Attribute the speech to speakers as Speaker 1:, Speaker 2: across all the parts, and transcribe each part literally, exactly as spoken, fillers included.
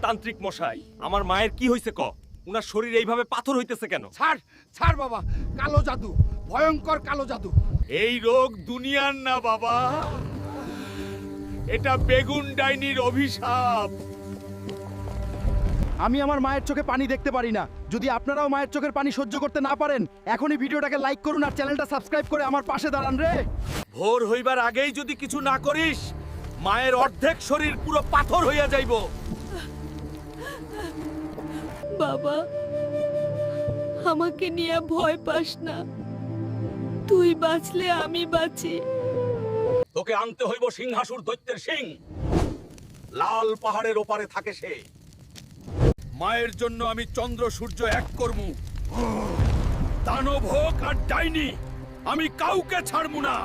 Speaker 1: তান্ত্রিক মশাই, আমার মায়ের কি হইছে ক? উনার শরীর এইভাবে পাথর হইতেছে কেন?
Speaker 2: ছাড় ছাড় বাবা, কালো জাদু, ভয়ঙ্কর কালো জাদু।
Speaker 1: এই রোগ দুনিয়ার না বাবা, এটা বেগুন ডাইনির অভিশাপ।
Speaker 3: আমি আমার মায়ের চোখে পানি দেখতে পারি না। যদি আপনারাও মায়ের চোখের পানি সহ্য করতে না পারেন, এখনই ভিডিওটাকে লাইক করুন আর চ্যানেলটা সাবস্ক্রাইব করে আমার পাশে দাঁড়ান রে।
Speaker 1: ভোর হইবার আগেই যদি কিছু না করিস, মায়ের অর্ধেক শরীর পুরো পাথর হইয়া যাইব।
Speaker 4: বাবা, আমাকে নিয়ে ভয় পাস না, তুই বাঁচলে আমি বাঁচি।
Speaker 1: তোকে আনতে হইব সিংহাসুর দৈত্যের সিং। লাল পাহাড়ের ওপারে থাকে সে। মায়ের জন্য আমি চন্দ্র সূর্য এক করমু। দানব হোক আর ডাইনি, আমি কাউকে ছাড়মু না।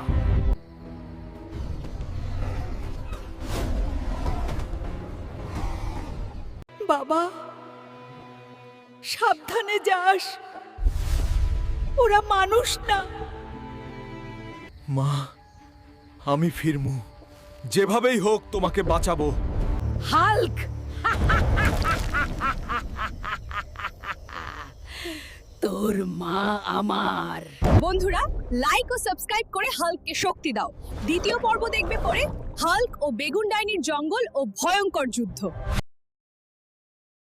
Speaker 4: বাবা, সাবধানে যাস, ওরা মানুষ না।
Speaker 1: মা, আমি ফিরমু, যেভাবেই হোক তোমাকে বাঁচাবো।
Speaker 4: হাল্ক, তোর মা আমার।
Speaker 5: বন্ধুরা, লাইক ও সাবস্ক্রাইব করে হাল্ককে শক্তি দাও। দ্বিতীয় পর্ব দেখবে পরে হাল্ক ও বেগুন ডাইনির জঙ্গল ও ভয়ঙ্কর যুদ্ধ।